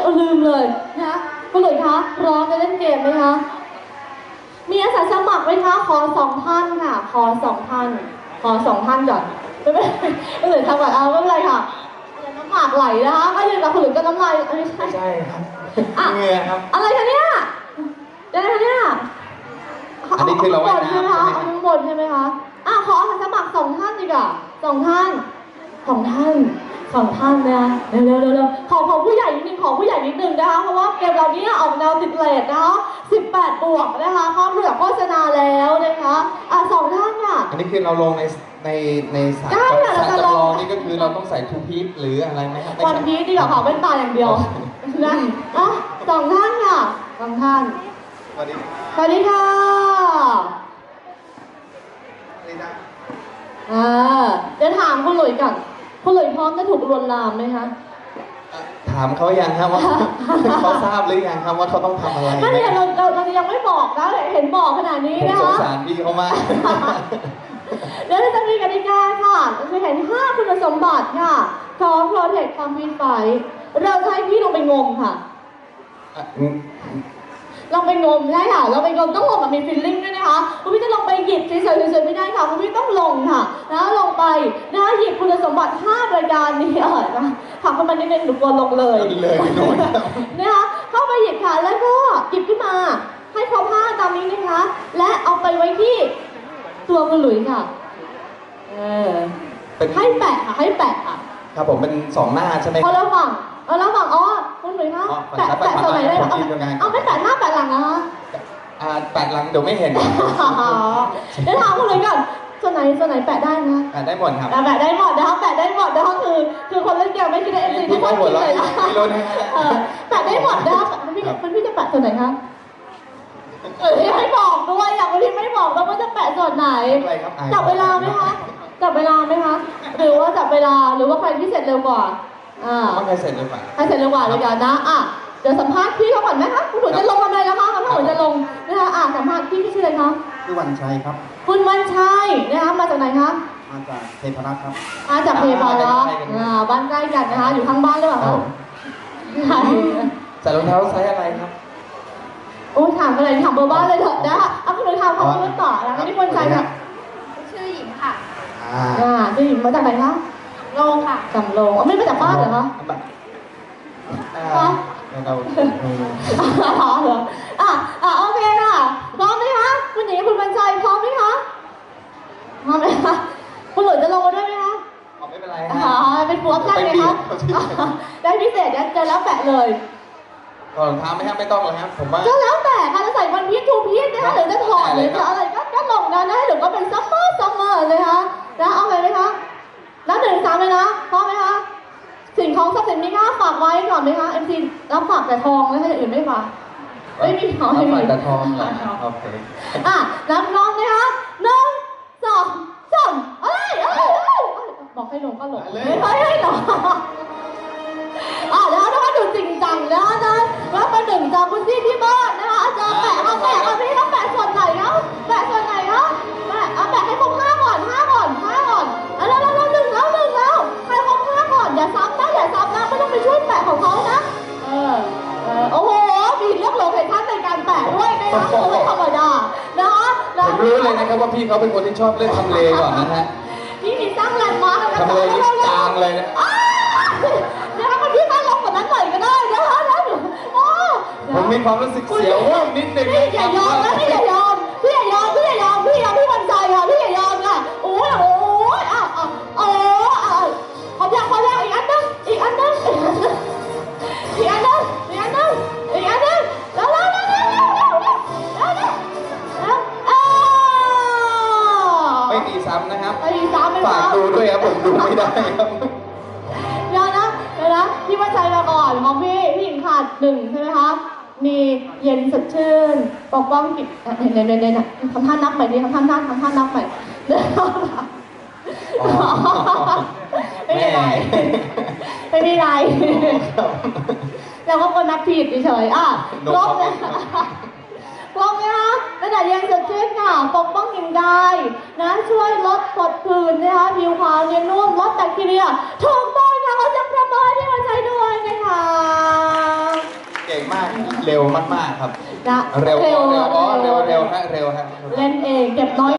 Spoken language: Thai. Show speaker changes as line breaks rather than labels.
ลืมเลยนะคุณหลุยคะพร้อมจะเล่นเกมไหมคะมีอาสาสมัครไหมคะขอ2 ท่านค่ะขอ2 ท่านขอ2 ท่านก่อนไม่เป็นไรคุณหลุยทำก่อนเอาไม่เป็นไรค่ะน้ำหมากไหลนะคะก็ยืนกับคุณหลุยก็น้ำลายไม่ใช่
ครับเหงื่อครับ
อะไรคะเนี่ยอะไรคะเนี่ย
อันนี้คือเราว่ายน้ำใช่ไหมคะ
ข้างบนใช่ไหมคะขออาสาสมัคร2 ท่านดีกว่า2 ท่าน2 ท่าน2 ท่านนะเร็วขอผู้ใหญ่นิดนึงขอผู้ใหญ่นิดนึงนะคะเพราะว่าเกมเราเนี่ยออกแนวติดเลทนะคะ18 บวกนะคะข้ามเรือโฆษณาแล้วนะคะ2 ท่านค่ะ
อันนี้คือเราลงในสายจำลองนี่ก็คือเราต้องใส่ทูพีซหรืออะไรไหมครับ
วันพีซดีกว่าค่ะเป็นตาอย่างเดียวนะ2 ท่านค่ะ2 ท่าน
สวัสดี
สวัสดีค่ะเดี๋ยวถามคุณหลุยก่อนคุณหลุยพร้อมจะถูกลวนลามไหมคะ
ถามเขายังครับว่าเขาทราบหรือยังครับว่าเขาต้องทำอะไร
ไม่เนี่ยเรายังไม่บอกนะเห็นบอกขนาดนี้นะคะ
สงสารพี่เขามาก
เดี๋ยวจะมีกติกาค่ะจะเห็น5 คุณสมบัติค่ะของ Protect ความพินไฟเราจะให้พี่ลงไปงมค่ะลองไปงมได้ค่ะเราไปงมต้องลงแบบมีฟีลลิ่งด้วยนะคะคุณพี่จะลงไปหยิบเฉยๆไม่ได้ค่ะคุณพี่ต้องลงค่ะนะลงไปนะหยิบคุณสมบัติ5 รายการนี้นะถามเข้ามานิดนึงหนูกลัวลงเลยนะคะเข้าไปหยิบค่ะแล้วก็หยิบขึ้นมาให้ครบ5ตามนี้นะคะและเอาไปไว้ที่ตัวคุณหลุยค่ะให้แปะค่ะให้แปะค่ะ
ครับผมเป็น2 หน้าใช่ไหม
พอแล้วฝั่งคุณหลุยคะแปะส่วนไหนได้เอาไม่แปะหน้าแปะหลังนะคะ
แปะหลังเดี๋ยวไม่เห็น
เดี๋ยวถามคุณหลุยก่อนส่วนไหนแปะได้นะ
แปะได้หมดครับ
แปะได้หมดนะคะแปะได้หมดนะคะคือคนเล่นเกมไม่คิดได้เอ็มซีทุกคนคิดเลยนะแปะได้หมดนะคะพี่จะแปะส่วนไหนคะไม่บอกด้วยอย่างวันนี้ไม่บอกแล้วว่าจะแปะส่วนไหนจับเวลาไหมคะหรือว่าจับเวลาหรือว่าใครที่เสร็จเร็วกว่า
ใครเสร็จเร็วกว่า
เลยกันนะเดี๋ยวสัมภาษณ์พี่เขาก่อนไหมคะคุณหนูจะลงมาเลยนะคะคุณหนูจะลงนะคะสัมภาษณ์พี่ชื่ออะไรคะ
ชื่อวันชัยครับ
คุณวันชัยนะคะมาจากไหนคะ
มาจากเทพรัตน์ครับ
มาจากเทพรัตน์บ้านใกล้กันนะคะอยู่ข้างบ้านหรือเปล่าคะ
ใส่รองเท้าไซส์อะไรครับ
โอ้ถามอะไรถามเบอร์บ้านเลยเถอะนะคะคุณหนูถามเขาพูดต่อแล้วนี่วันชัยค่ะ
ชื่อหญิงค่ะ
ชื่อหญิงมาจากไหนคะ
โลค่ะ
จำโลไม่มาจากบ้านเหรอคะ
เรา
เหรอโอเคค่ะพร้อมไหมคะคุณหญิงคุณบรรจัยพร้อมไหมคะพร้อมไหมคะคุณหลุยจะลงมาด้วยไหมคะ
ไม่เป็นไร
เป็นหัวใจไหมคะได้พิเศษเจอแล้วแปะเลย
รองเท้าไม่ต้องเลยครับผมว่า
ก็แล้วแต่ค่ะจะใส่วันพีชทูพีชนะคะหรือจะถอดหรือจะอะไรก็ลงนะหรือก็เป็นซัมเมอร์เลยคะเอาเลยไหมคะนับ1 3เลยนะพร้อมไหมคะสิ่งของทรัพย์สินมีค่าฝากไว้ก่อนไหมคะMCรับฝากแต่ทองแล้วถ้าอย่างอื่นไม่ฝากไม่มี
ทองไม่มีแต่ทองโอเค
นับน้องนะคะ1 2 3อะไรบอกให้ลงก็ลงไม่ให้หรอแล้วถ้าดูจริงจังนะแล้วมา1จากคุณที่บ้านนะคะจะแปะพี่ต้องแปะส่วนไหนคะแปะส่วนไหนคะแปะให้ครบ5 ก่อนแล้ว1แล้วให้ครบ5 ก่อนอย่าซ้ำนะไม่ต้องไปช่วยแปะของเขานะโอ้โหมีเรื่องโลเคชั่นในการแปะด้วยนะคะไม่ธรรมดานะคะ
ผมรู้เลยนะครับว่าพี่เขาเป็นคนที่ชอบเล่นทำเลก่อนนะฮะ
พี่มีสร้างแลนด์มาร์ค
ทำเลนี่จางเลยนะ
นะคะคนที่ตั้งลงกว่านั้นหน่อยก็ได้นะคะ
ผมมีความรู้สึกเสียวว่านิดนึง
พี่อย่ายอมนะพี่อย่ายอมพี่วันใจค่ะพี่อย่ายอมค่ะโอ้พอยังอีกอันนึงแล้ว
ไม่ตีซ้ำนะครับ
ไม่ตีซ้ำ
ฝากดูด้วยครับผมดูไม่ได้ครับ
เดี๋ยวนะพี่วันใจมาก่อนของพี่หญิงขาด1ใช่ไหมคะมีเย็นสดชื่นปกป้องกิจเนี่ยทำท่านับใหม่ดิทำท่านับใหม่ไม่มีไรเราก็คนนับผิดเฉยครบเลยนะคะระดับเย็นสดชื่นค่ะปกป้องกลิ่นกายนะช่วยลดผดผื่นนะคะผิวขาวเนียนนุ่มลดแบคทีเรียถูกต้องค่ะเขาจะประเมินที่หัวใจด้วยนะคะ
มากเร็วมากๆครับ
นะ
เร็ว
เร็ว
เร็วฮะเร็วฮะ
เล่นเองเก็บน้อย